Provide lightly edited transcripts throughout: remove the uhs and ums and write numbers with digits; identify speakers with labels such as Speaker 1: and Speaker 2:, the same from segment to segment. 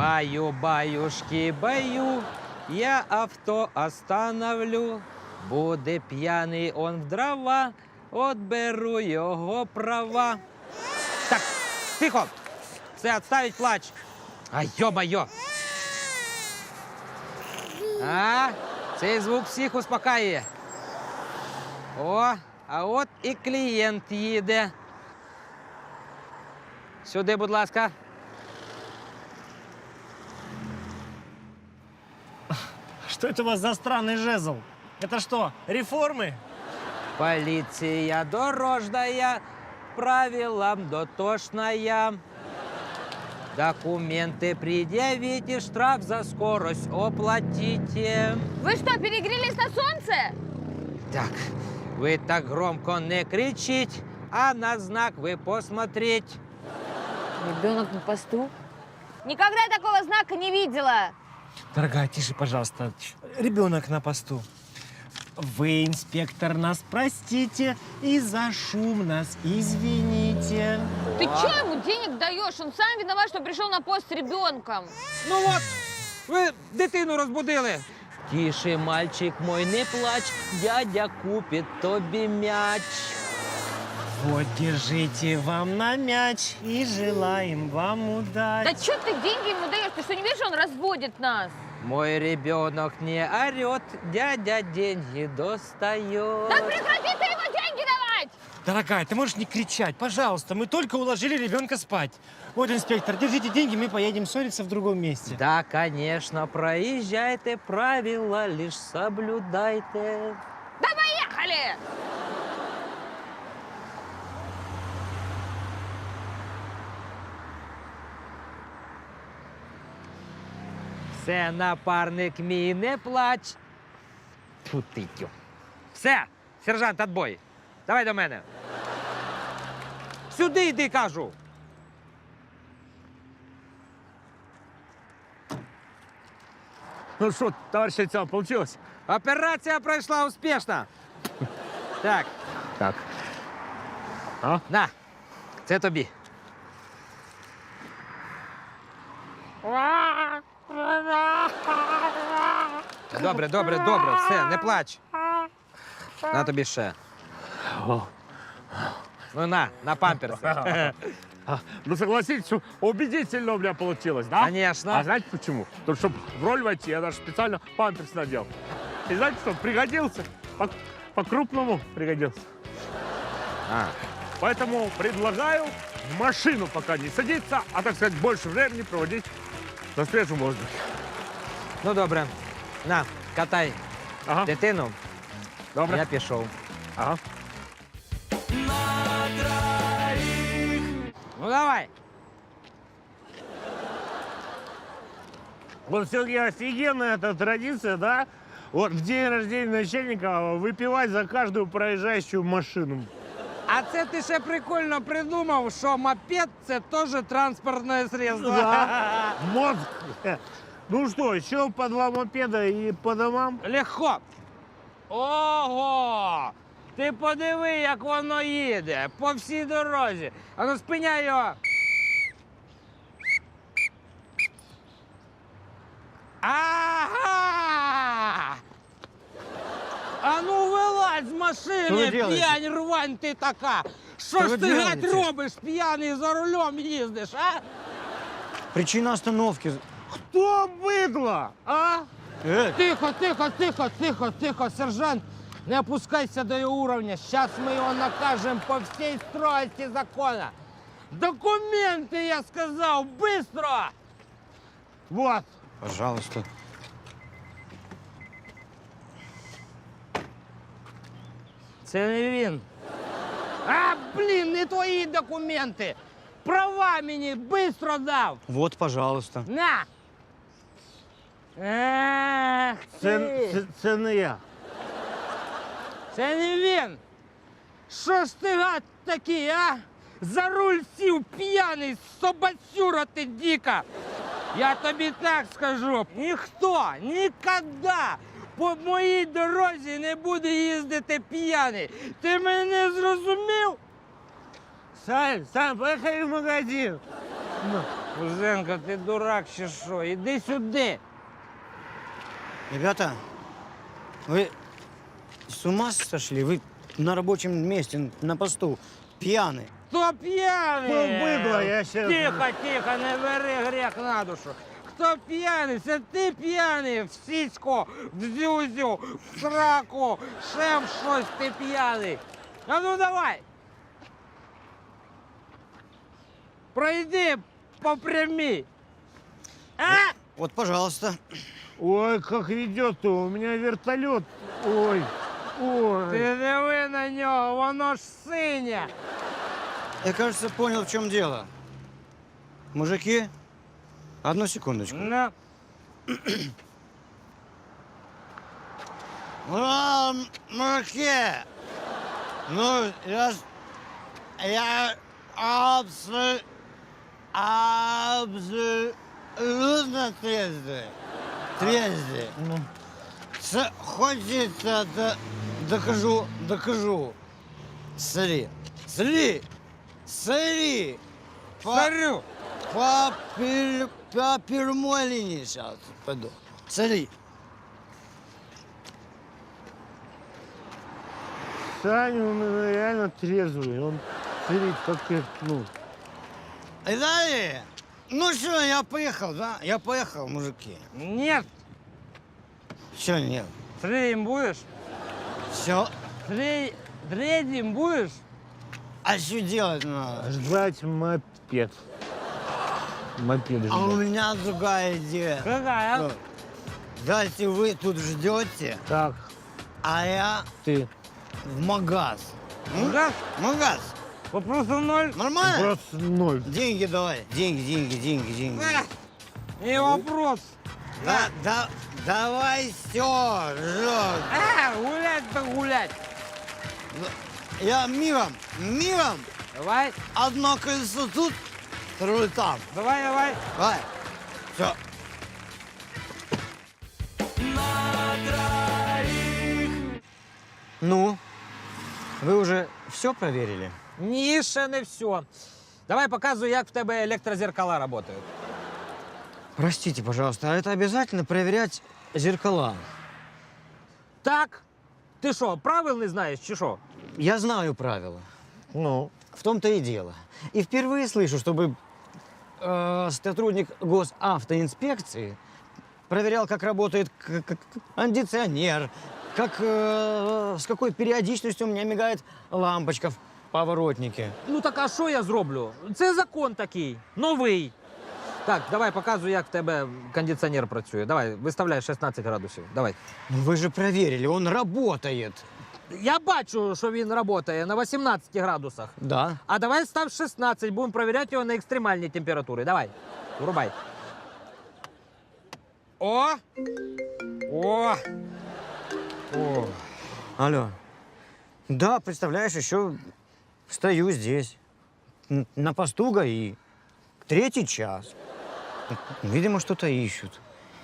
Speaker 1: Баю-баюшки, баю, я авто остановлю. Буде п'яний он в дрова, отберу його права. Так, тихо! Все, отставить плач. А, йо-майо! А, цей звук всіх успокаює. О, а от і клієнт їде. Сюди, будь ласка.
Speaker 2: Что это у вас за странный жезл? Это что, реформы?
Speaker 1: Полиция дорожная, правилам дотошная. Документы предъявите, штраф за скорость оплатите.
Speaker 3: Вы что, перегрелись на солнце?
Speaker 1: Так, вы так громко не кричите, а на знак вы посмотреть.
Speaker 3: Ребенок на посту? Никогда такого знака не видела.
Speaker 2: Дорогая, тише, пожалуйста. Ребенок на посту. Вы, инспектор, нас простите и за шум нас извините.
Speaker 3: Ты что ему денег даешь? Он сам виноват, что пришел на пост с ребенком.
Speaker 1: Ну от, ви дитину розбудили. Тише, мальчик мой, не плач, дядя купит тобі мяч.
Speaker 2: Вот, держите вам на мяч и желаем вам удачи.
Speaker 3: Да что ты деньги ему даешь? Ты что, не видишь, он разводит нас?
Speaker 1: Мой ребенок не орет, дядя деньги достает.
Speaker 3: Да прекрати ты ему деньги давать!
Speaker 2: Дорогая, ты можешь не кричать, пожалуйста. Мы только уложили ребенка спать. Вот, инспектор, держите деньги, мы поедем ссориться в другом месте.
Speaker 1: Да, конечно, проезжайте, правила лишь соблюдайте.
Speaker 3: Да поехали!
Speaker 1: Все, напарник мій, не плач. Тьфу ти, тю. Все, сержант, отбой. Давай до мене. Сюди йди, кажу.
Speaker 4: Ну что, товарищ лейтенант, получилось?
Speaker 1: Операція пройшла успішно. Так.
Speaker 4: Так. А?
Speaker 1: На, це тобі. Добре, добре, добре, все, не плач. На тобі ще. Ну на памперси.
Speaker 4: Ну согласитесь, что убедительно у меня получилось, да?
Speaker 1: Конечно.
Speaker 4: А знаете почему? Потому что, чтобы в роль войти, я даже специально памперс надел. И знаете что, пригодился. По-крупному пригодился. Поэтому предлагаю в машину пока не садиться, а, так сказать, больше времени проводить на свежем воздухе.
Speaker 1: Ну добре. На, катай
Speaker 4: Ага,
Speaker 1: дитину.
Speaker 4: добре.
Speaker 1: Я пішов.
Speaker 4: Ага.
Speaker 1: Ну давай.
Speaker 4: Вот все-таки офигенная эта традиция, да? Вот в день рождения начальника выпивать за каждую проезжающую машину.
Speaker 1: А це ти ще прикольно придумав, що мопед – це теж транспортне средство.
Speaker 4: Да. Мозг. Ну что, еще по 2 мопеда и по домам?
Speaker 1: Легко. Ого! Ти подиви, як воно їде по всій дорозі. А ну спиняй його. Ага! А ну вилазь з машини, п'янь рвань ти така. Що ж ти, гать, робиш, п'яний за рулем їздиш, а?
Speaker 2: Причина остановки.
Speaker 4: Кто быдло, а?
Speaker 1: Тихо, тихо, тихо, тихо, тихо, сержант. Не опускайся до його уровня. Сейчас мы его накажем по всей строгости закона. Документы, я сказал, быстро! Вот.
Speaker 2: Пожалуйста.
Speaker 1: Це не він. А, блін, не твої документи. Права мені быстро дав.
Speaker 2: Вот, пожалуйста.
Speaker 1: На. Ах,
Speaker 4: Це не я.
Speaker 1: Це не він. Що ж ти, гад, такий, а? За руль сів п'яний, собацюра ти дика. Я тобі так скажу, ніхто ніколи по моїй дорозі не буде їздити п'яний. Ти мене зрозумів?
Speaker 4: Сань, поехали в магазин.
Speaker 1: Кузенко, ти дурак чи що? Іди сюди.
Speaker 5: Ребята, вы с ума сошли? Вы на рабочем месте, на посту, пьяны.
Speaker 1: Хто п'яний?
Speaker 2: Быдло, я щас-
Speaker 1: Тихо, тихо, не бери гріх на душу. Хто п'яний? Це ти п'яний. В сіську, в зюзю, в сраку, ще в щось ти п'яний. А ну давай. Пройди по прямій. А?
Speaker 5: Вот, пожалуйста.
Speaker 2: Ой, как ведет-то, у меня вертолет. Ой, ой.
Speaker 1: Ти диви на нього, воно ж синє.
Speaker 5: Я, кажется, понял, в чем дело. Мужики, одну секундочку.
Speaker 1: На.
Speaker 5: Мужики, ну, я абсолютно трезвый. Трезвый. Хочется, докажу. Смотри.
Speaker 1: Смотрю.
Speaker 5: По прямой линии сейчас пойду. Смотри.
Speaker 2: Саня, он реально трезвый. Он смотри, как ну.
Speaker 5: Далее. Ну что, я поехал, да? Я поехал, мужики.
Speaker 1: Нет.
Speaker 5: Все, нет.
Speaker 1: Третьим будешь?
Speaker 5: Все.
Speaker 1: Третьим будешь?
Speaker 5: А что делать надо?
Speaker 2: Ждать мопед. Мопед
Speaker 5: А у
Speaker 2: ждать.
Speaker 5: меня другая идея.
Speaker 1: Какая?
Speaker 5: Ну, давайте вы тут ждете,
Speaker 2: Так,
Speaker 5: а я
Speaker 2: ты.
Speaker 5: в магаз.
Speaker 1: Газ?
Speaker 5: Магаз.
Speaker 1: Вопросов ноль.
Speaker 5: Нормально?
Speaker 2: Просто ноль.
Speaker 5: Деньги давай. Деньги.
Speaker 1: Не вопрос.
Speaker 5: Давай все, жжет.
Speaker 1: Гулять-то гулять.
Speaker 5: Я мигом.
Speaker 1: Давай,
Speaker 5: Одно колесо тут, второе там.
Speaker 1: давай.
Speaker 5: Давай. Все. Ну, ви вже все проверили?
Speaker 6: Ні, ще не все. Давай показуй, як в тебе електрозеркала працюють.
Speaker 5: Простите, пожалуйста, а это обязательно проверять зеркала?
Speaker 6: Так. Ти що, правил не знаєш, чи що?
Speaker 5: Я знаю правила.
Speaker 2: Ну,
Speaker 5: В том-то и дело. И впервые слышу, чтобы сотрудник госавтоинспекции проверял, как работает кондиционер, с какой периодичностью у меня мигает лампочка в поворотнике.
Speaker 6: Ну так а що я зроблю? Це закон такий, новий. Так, давай показуй, як в тебе кондиціонер працює. Давай, виставляй 16 градусів. Давай.
Speaker 5: Ну вы же проверили, он работает.
Speaker 6: Я бачу, що він працює на 18 градусах.
Speaker 5: Да.
Speaker 6: А давай став 16, будемо перевіряти його на екстремальні температури. Давай, врубай.
Speaker 1: О!
Speaker 5: Алло. Да, представляешь, еще стою здесь, на посту ГАИ, 3-й час. Видимо, что-то ищут.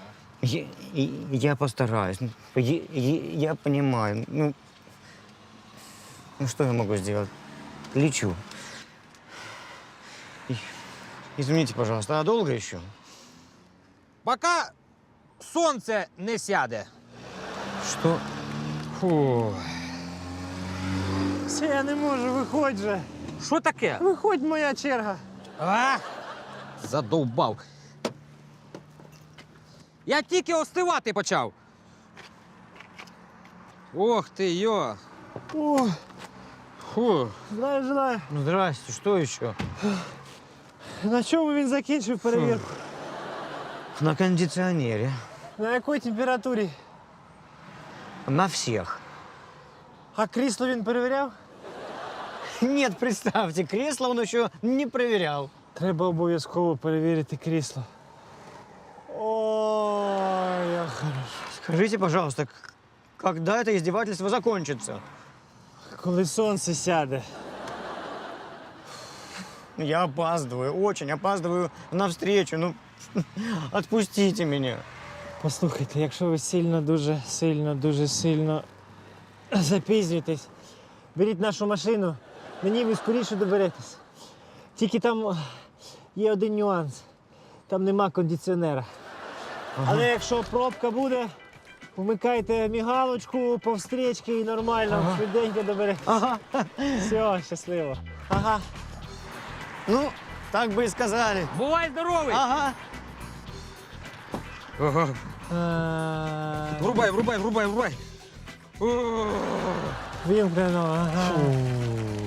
Speaker 5: Я постараюсь. Я понимаю. Ну, что я могу сделать? Лечу. Извините, пожалуйста, а долго еще?
Speaker 6: Поки сонце не сяде.
Speaker 5: Что?
Speaker 1: Фу.
Speaker 2: все, я не можу, виходь же.
Speaker 6: Що таке?
Speaker 2: Виходь, моя черга.
Speaker 6: А? Задовбав. Я тільки остивати почав.
Speaker 1: Ох ти, йо.
Speaker 2: О,
Speaker 1: Фу.
Speaker 2: знаю.
Speaker 5: Ну, здрасте, что еще?
Speaker 2: На чому він закінчив перевірку?
Speaker 5: На кондиционере.
Speaker 2: На якій температурі?
Speaker 5: На всех.
Speaker 2: А крісло він перевіряв?
Speaker 5: Нет, представьте, кресло он еще не проверял.
Speaker 2: Треба обов'язково перевірити крісло. Ой, як хорошо.
Speaker 5: Скажите, пожалуйста, когда это издевательство закончится?
Speaker 2: Коли сонце сяде.
Speaker 5: Я опаздываю, очень опаздываю на встречу. Ну, отпустите меня.
Speaker 2: Послухайте, якщо ви дуже сильно запізнюєтесь, беріть нашу машину, на ній ви скоріше доберетесь. Тільки там є один нюанс. там нема кондиціонера. Але якщо пробка буде, вмикайте мігалочку по встрічці і нормально, швиденько добере.
Speaker 5: Ага.
Speaker 2: Все, щасливо. Ага.
Speaker 5: Ну, так бы и сказали.
Speaker 1: Бувай здоровий!
Speaker 5: Ага.
Speaker 6: Врубай.
Speaker 2: Вимкнено. Ага.